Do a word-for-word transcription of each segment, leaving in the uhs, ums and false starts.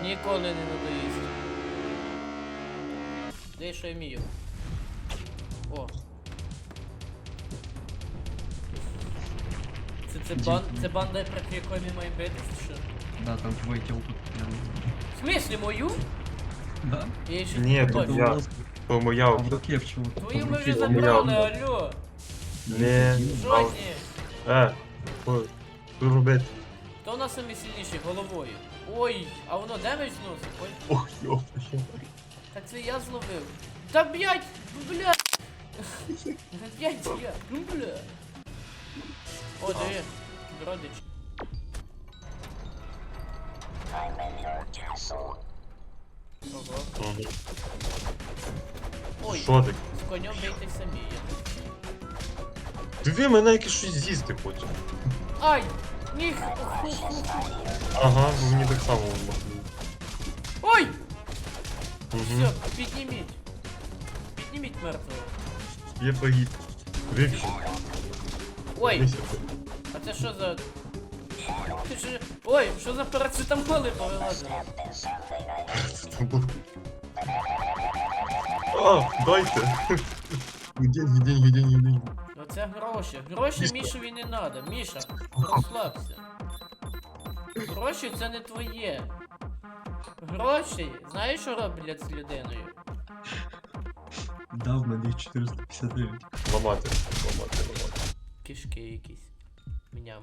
Ніколи не надоїсть. Де що я вмію? О. Це, це, бан, це банда, проти якої ми маємо битися, чи що? Да, там твой тілку прям. В смислі мою? Да? Я ще Ні, не тут бачу. я. То моя А в опа. руке в чего? Твою В ми руке. вже забрали. забрали, алло. Не. Жодні. Е. Ой. Що робити? Хто у нас самий сильніший головою? Ой, а воно демедж зносить? Ой. Ох, йоп. Так це я зловив. Та блять! Блять! Блять я! Ну бля! О, диви. Родич. Ого. Мгм. Ой, Що ти? з конем бийте самі. Диви, мене якесь щось з'їсти хоче. Ай! Ніг! Ага, ну мені так само махнуло. Ой! Угу. Все, підніміть. Підніміть мертвого. Я погиб. Вивчи. Ой! А це що за... Ти що... Ой, що за парацетамоли повилазили? А, дайте. Деньги, деньги, деньги, деньги. Оце гроші. Гроші Мішові не надо. Міша, розслабся. Гроші це не твоє. Гроші, знаєш, що роблять з людиною? Да, в мене їх чотириста п'ятдесят дев'ять. Ламати, ламати, ламати. Кишки якісь. Мням.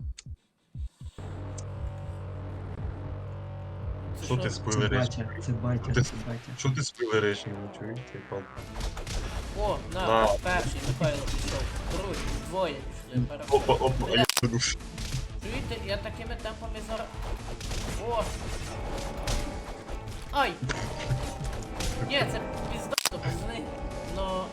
Це Що ти Це спойлериш? батя, це батя, Ти- це батя. Що ти спойлериш? Не чуєш, ти пан. О, на, На. перший, Михайло пішов. Другий, двоє пішли. переходь. Опа, опа, а я подуш. Чуєте, я такими темпами зараз... О! Ай! Ні, це піздато, пацани. Но...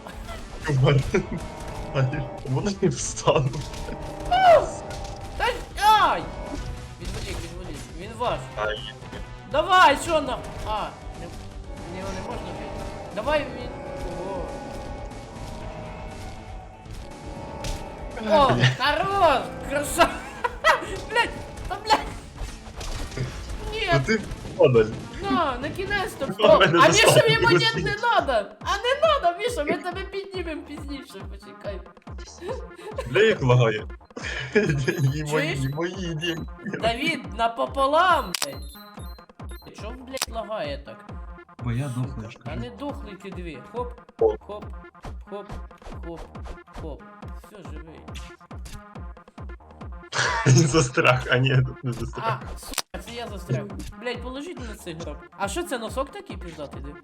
Вони не встануть. Та... Ай! Відволік, відволік. Він ваш. Ай, Давай, що нам? А, не, не, його не можна бити. Давай він. Ого. О, хорош! Краса! Блять! Та блять! Ні! ну ти падаль. На, на кінець-то А, встав. мене А Міша заставили йому нет сидіти. не надо! А не надо, Міша, ми тебе піднімемо пізніше, почекай. Бля, як лагає. Деньги Чуєш? мої, мої деньги. Давід, напополам, блять! Чо, блять, лагає так? Бо я дохлий, А не дохли ті дві. Хоп, Хоп. хоп, хоп, хоп, хоп. Все, живий. Застряг, а ні, тут не застряг. А, сука, це я застряг. Блять, положіть на цей гроб. А що це, носок такий піздатий, де?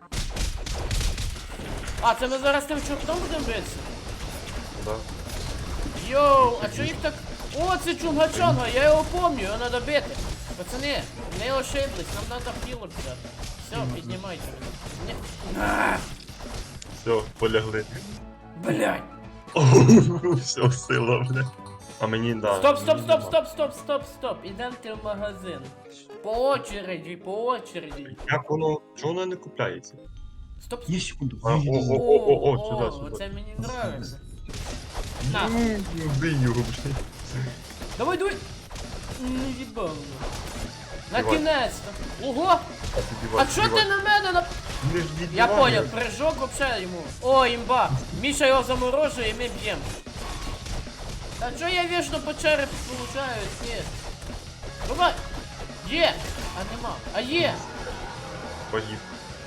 А, це ми зараз тим чортом будемо битися? Да. Йоу, а чо їх так... О, це Чунга-Чанга, я його помню, його треба бити. Пацани, не ошиблись, нам треба хілок взяти. Все, піднімайте. Не... А, Все, полягли. блять. Все, сила, бля. А мені, да. Стоп, стоп, стоп, стоп, стоп, стоп, стоп. Ідемте в магазин. По очереді, по очереді. Як воно, чого воно не купляється? Стоп, стоп. Є секунду. А, о, о, о, о, сюди, о, сюди. це мені нравится. На. Ну, вбий його, бля. Давай, давай. Не їбав. Давай. Накінець-то. Ого! А ти А дівай, чо ти дівай. на мене на... Не ж Я віддівай. понял, прыжок вообще йому. О, імба. Міша його заморожує і ми б'ємо. Та чо я вічно по черепу получаю? Ні. Давай. Є. А нема. А є. Погиб.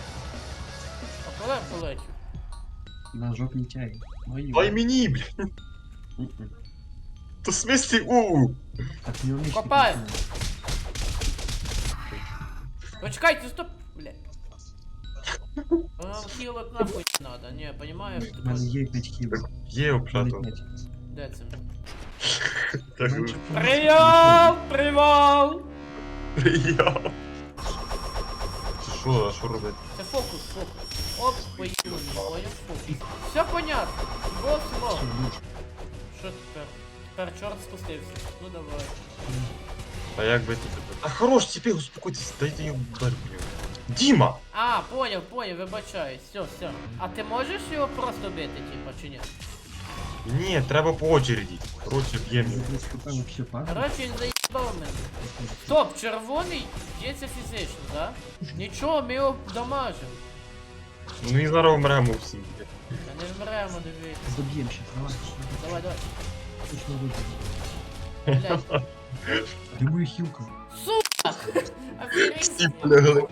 А коли полетів? На жоп не тягай. Мої. Дай мені, бля. Мгм. То в смислі, у. Так не вмієш. Копай. Почекайте, стоп, блядь. Нам хілок нахуй не надо, не, понимаешь? У мене є п'ять хіл. Так, є обшато. Де це? Так, Привал! Привал! я. Це що, а що робити? Це фокус, фокус. Оп, поїхали, понял, фокус. Все понятно. Вот смог. Що тепер? Тепер чорт спустився. Ну давай. А як би тут? А хорош, тепер успокойтесь, дайте йому удар по ньому. Діма! А, понял, понял, вибачаюсь. Все, все. А ти можеш його просто бити, типа, чи ні? Ні, треба по очереді. Короче, б'ємо. Я десь купив вообще пара. Короче, він заїбав. заїбав мене. Стоп, червоний б'ється фізично, да? Нічого, ми його дамажимо. Ну і зараз вмремо всі. Та не вмремо, диви. Заб'єм ще, давай. Давай, давай. Точно виб'ємо. Блядь. Де моя хілка? Сука! Всі Охеренеть. полягли.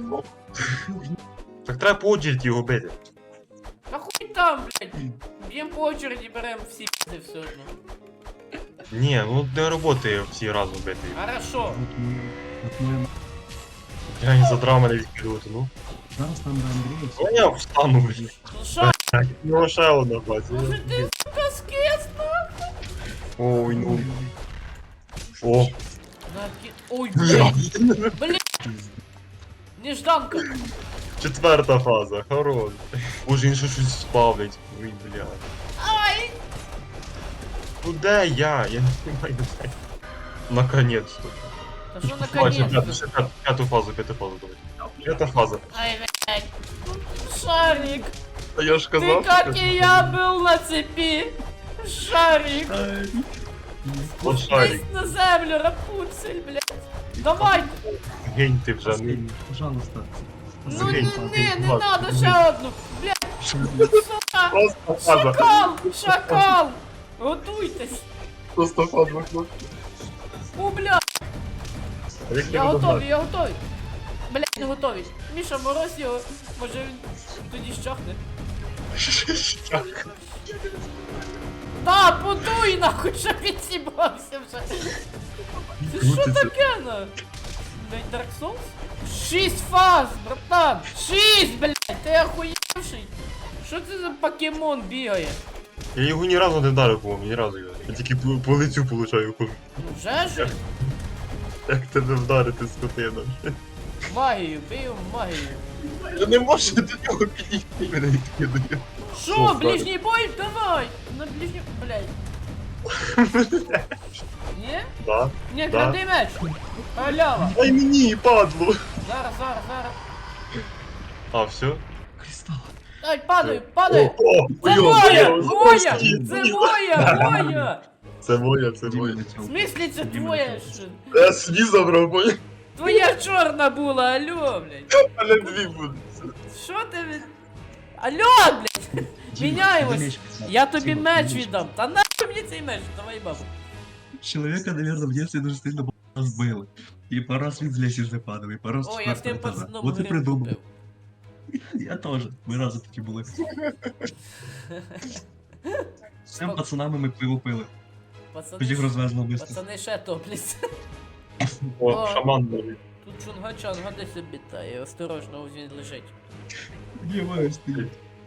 Так треба по очереді його бити. Та хуй там, блядь. Б'єм по очереді, берем всі пізди все одно. Ні, ну не роботи всі разом бити. Хорошо. От моя... От моя... Я не задрав мене відкидувати, ну. Зараз там до Андрія. Ну я встану, блядь. Ну шо, У нього ще одна фаза. може ти, сука, скис, нахуй? Ой, ну. О. Наки... Ой, блядь. Блядь, нежданка. Четверта фаза, хорош. Боже, він ще щось спавлять. Ой, блядь. Ай! Ну де я? Я не знаю де. Наконец-то. Та що Бачу, п'яту, наконец-то? ще п'яту, п'яту фазу, п'яту фазу давай. П'ята фаза. Ай, блядь. Шарик, А я ж ты как и я был на цепи. Шарик, От спустись шарик. на землю, Рапунцель, блядь. Давай. Гень ти вже. ну. Пожалуйста. Ну не, Згинь, не, не ладно. надо ще одну. Блядь, сука. Просто фаза. Шакал, шакал. Готуйтесь. Просто фаза. О, блядь. Як Я ти готовий, я готовий. Блядь, не готовий. Міша, мороз його. Може він тоді щахне. Та, подуй нахуй, щоб він сібався вже. Це що таке, на? Блядь, Dark Souls? Шість фаз, братан! Шість, блядь, ти охуєвший? Що це за покемон бігає? Я його ні разу не вдарив, по-моєму, ні разу його. Я тільки по, по лицю получаю. Ну вже ж? Як тебе вдарити, скотина? Магію, бив магію. Я не можу до нього підійти, мене відкидає. Що, Що, ближній бой? Давай! На ближній... Блядь. Ні? Да. Ні, Да. кради меч! Халява! Дай мені, падло! Зараз, зараз, зараз. А, все? Кристал. Ай, падаю, падаю! О, Це ой, моя! ой, Моя! ой, Це ой. моя! Моя! Це моя, це Діма моя. В летів. смислі це Діма твоя? летів. що? Я свій забрав, понял? Твоя чорна була, алло, блядь. Але дві будуть. Що ти від... Алло, блядь! Діма, Міняємось. дай меч писати. Я тобі Діма, меч дай віддам. Та нахуй мені цей меч, давай бабу. Человека, наверное, в детстве дуже сильно б***ь збили. І по раз він з лестниці падав, і по раз О, я з тим четвертого етажа. пацаном От і гриб придумав. купив. Я теж. Ми разом такі були. З цим пацанами ми пиво пили. Хоч їх Пацани, розвезли быстро. пацани ще топляться. О, О. шаман навіть. Тут чунга-чанга десь обітає, осторожно, ось він лежить. Не маю стоїть.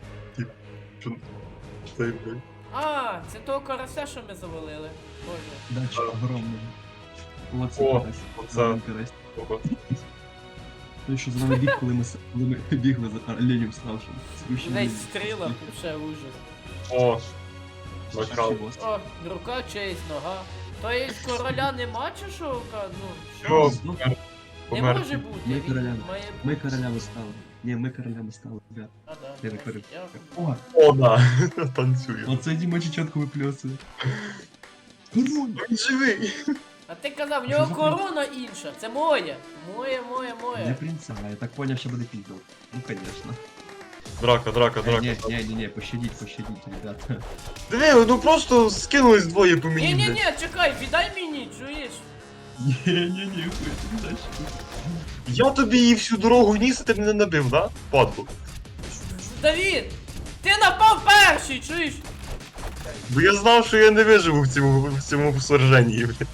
Цей, блядь. А, це того карася, що ми завалили. Боже. Дача огромна. Молодці, О, Карась. оце. Давай, Карась. Ого. Той, що з нами біг, коли ми, с- коли ми бігли за оленем ставшим. Спущені. Весь стріла, ще ужас. О, накрав. О, рука, честь, нога. То є короля нема чи що? Ка- Ну, Що? що? Ну, Не Помер. може бути. Ми він королями. має Ми бути. королями стали. Ні, ми королями стали, ребят. А, да. Я не перед- Дякую. О, О, да. Танцює. оце Діма чечетку випльосує. Корона! Він живий. А ти казав, в Що нього за корона інша. Це моя. Моя, моя, Не моя. принца, я так понял, що буде піздол. Ну, конечно. Драка, драка, Е, драка. Не, не, не, не, пощадіть, пощадіть, ребята. Диви, ну просто скинулись двоє по мені. Ні, ні, блядь. ні, чекай, віддай мені, чуєш? Не, не, не, хуй, ти дальше. Я тобі її всю дорогу ніс, а ти мене набив, да? Падло. Давід! Ти напав перший, чуєш? Бо я знав, що я не виживу в цьому, в цьому сраженні, блядь.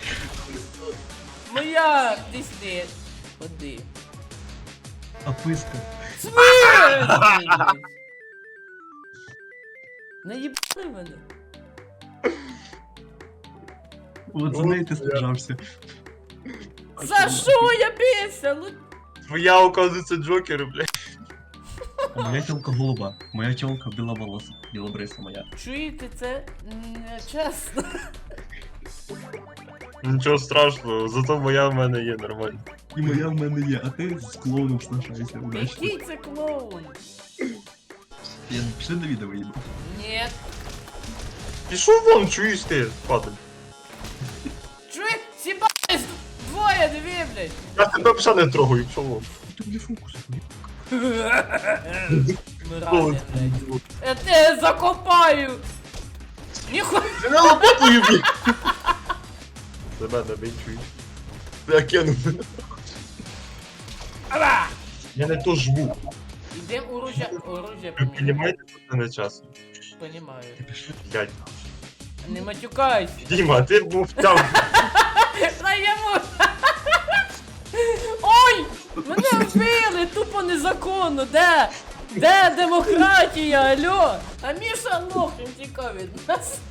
Моя, ти сни. Ходи. А писка. Смерть! Не їбали мене. От за неї ти сражався. За що я бився? Ну, Твоя, оказується, Джокер, блядь. А моя тёлка голуба. Моя тёлка біловолоса. Білобриса моя. чуєте, це не чесно. Нічого страшного, зато моя в мене є нормально. І моя в мене є, а ти з клоуном сношайся. Удачно. Який це клоун? Я пішли на відео їду. Ні. Пішов вон, чуєш ти, падаль. Чує? Сіба блядь. Я тебе вже не трогаю, чого? Ти мені фокус. Мразі, блядь. Я тебе закопаю. Ніхуя. Ти не лопатою, блін. Це мене не чуєш. Я кинув. Ара! Я не то жму. Ідем оружие, оружие Ви поміняємо. розумієте, що це не час? Понімаю. Блядь. Не матюкайся. Діма, ти був там. Дай йому. Ой! Мене вбили! Тупо незаконно! Де? Де демократія? Алло? А Міша лох, він тікав від нас.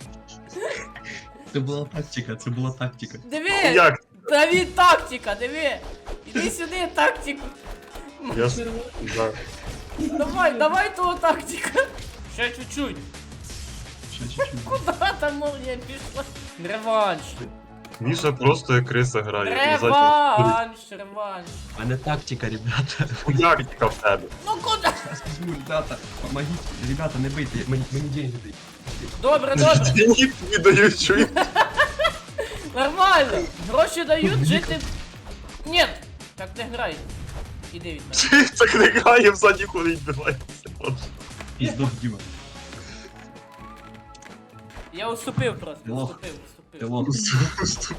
Це була тактика, це була тактика. Диви! Як? Та він тактика, диви! Іди сюди, тактику. Я ж... Да. Давай, давай того тактика. Ще чуть-чуть. Ще чуть-чуть. Куда там молния пішла? Реванш. Міша просто як криса грає. Реванш, реванш. А не тактика, ребята. Хуярка в тебе. Ну куди? Сейчас возьму, ребята. Помогите. Ребята, не бийте, мені, мені деньги дайте. Добре, добре. Деньги тобі дають, чуєш? Нормально. Гроші дають жити. Нет, так не грай. Іди від мене. Так не грає, взаді ходить, відбивається. Піздок, Діма. Я уступив просто. Лох. Уступив, Ти уступив. лох.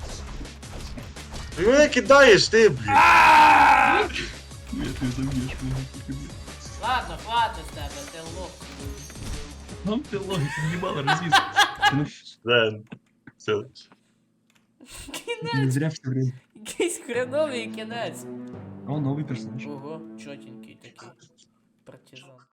Ти мене кидаєш, ти, блін. Ні, ти заб'єш мене. Ладно, хватить з тебе, ти лох. Нам ти лох, ти в'їбала розвіз. Ну, Ден. Все. Кінець. не зря все время. Якийсь хреновий кінець. О, новий персонаж. Ого, чотенький такий. Партизан.